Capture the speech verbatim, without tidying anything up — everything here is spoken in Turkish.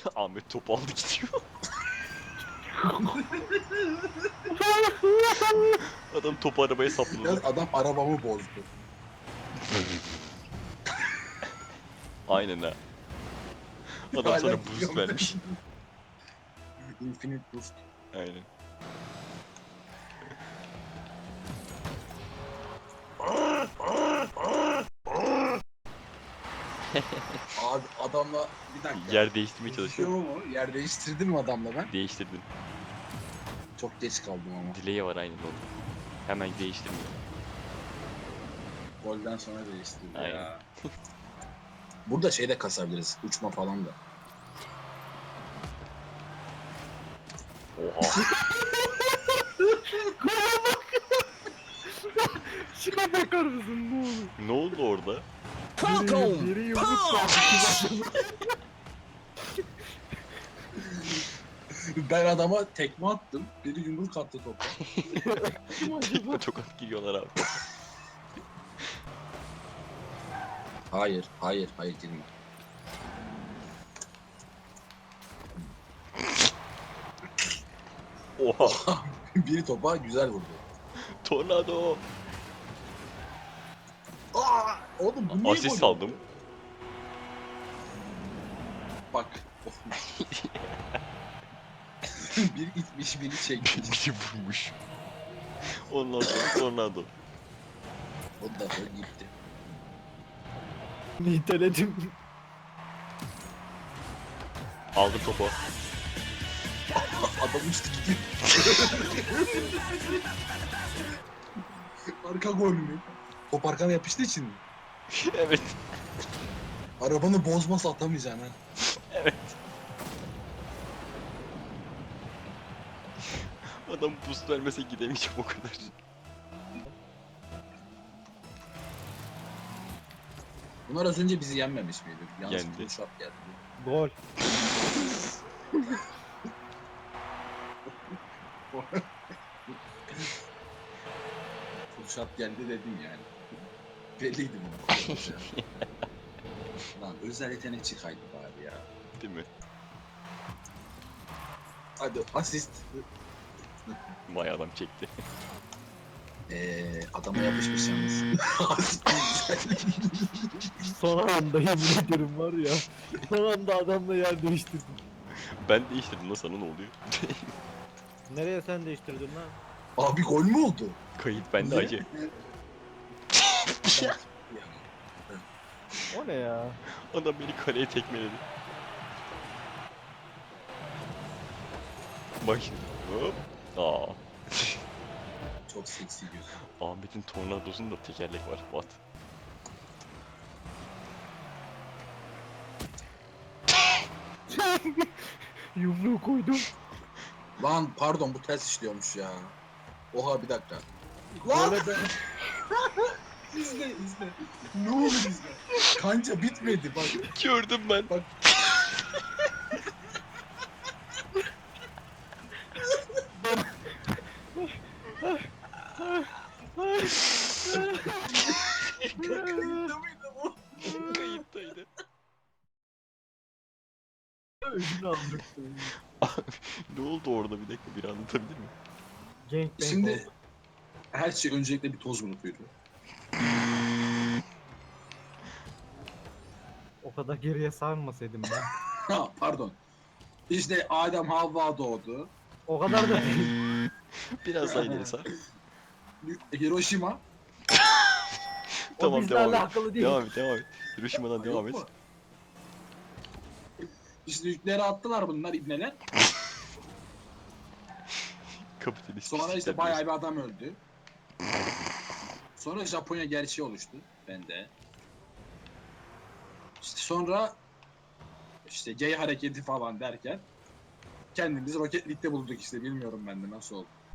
Ahmet topu aldı gidiyor. Adam topu arabaya sapladı. Ya adam arabamı bozdu. Aynen ha. Adam Hala sana gidiyorum boost ben. vermiş. Infinite boost. Aynen. Abi adamla bir dakika. Yer değiştirmeye Konuşuyor çalışıyorum. mu? Yer değiştirdim mi adamla ben? Değiştirdin. Çok geç kaldım ama. Delay var aynen oldu. Hemen değiştirmiyor. Golden sonra değiştirdi Aynen. ya. Burada şey de kasabiliriz. Uçma falan da. Oha. Şuna bakar mısın ne olur? Ne oldu orada? Biri, biri yumruk kaldı. Ben adama tekme attım. Biri yumruk attı topa. Kim acaba? Tekme tokat giriyorlar abi. Hayır, hayır, hayır girme. Oha. Biri topa güzel vurdu. Tornado. Aa, oğlum bu niye Asist gol aldım. oldu? Bak. Biri itmiş, biri çekmiş. Biri vurmuş. Ondan sonra tornado. Ondan sonra gitti. Niteledim. Aldım topu. Adam uçtu gidiyor. Arka gol mü? Top arkana yapıştığı için mi? Evet. Arabanı bozmasa atamayacaksın ha. Evet. Adam boost vermese gidemeyeceğim o kadar. Bunlar az önce bizi yenmemiş miydi? Yalnız Yendi. bir shot geldi. Gol. Full shot geldi dedim yani. Belliydi bu. Lan özel yetenek çıkaydı bari ya. Değil mi? Hadi asist. Vay adam çekti. Eee adama yapışmış yalnız. Asist güzel. Son anda yemin ederim var ya. Son anda adamla yer değiştirdim. Ben değiştirdim lan sana ne oluyor? Nereye sen değiştirdin lan? Abi gol mü oldu? Kayıt bende Ne? acı. O ne ya? Adam beni kaleye tekmeledi. Bak şimdi. Hop. Aa. Çok seksi göz. Ahmet'in tornadosunda tekerlek var. What? Yumruğu koydum. Lan pardon bu ters işliyormuş ya. Oha bir dakika. Lan! Böyle ben... izle izle. Ne olur izle. Kanca bitmedi bak. Gördüm ben. Bak. Kayıtta mıydı bu? Kayıttaydı. Öcünü aldık. Ne oldu orada bir dakika bir anlatabilir mi? Gangbang Şimdi oldu. her şey öncelikle bir toz grupuydu. O kadar geriye sarmasaydım ben. Ha pardon. İşte Adem Havva doğdu. O kadar da değil. Biraz daha ileri sar. Hiroşima. O Tamam bizle devam et. alakalı değil. Devam et devam et. Hiroşima'dan devam et. Yok mu? İşte yükleri attılar bunlar ibneler. Kapitalist. Sonra işte sistem bayağı diyorsun. bir adam öldü. Sonra Japonya gerçeği oluştu. Bende. İşte sonra işte gay hareketi falan derken kendimizi Rocket League'de bulduk işte. Bilmiyorum ben de nasıl oldu.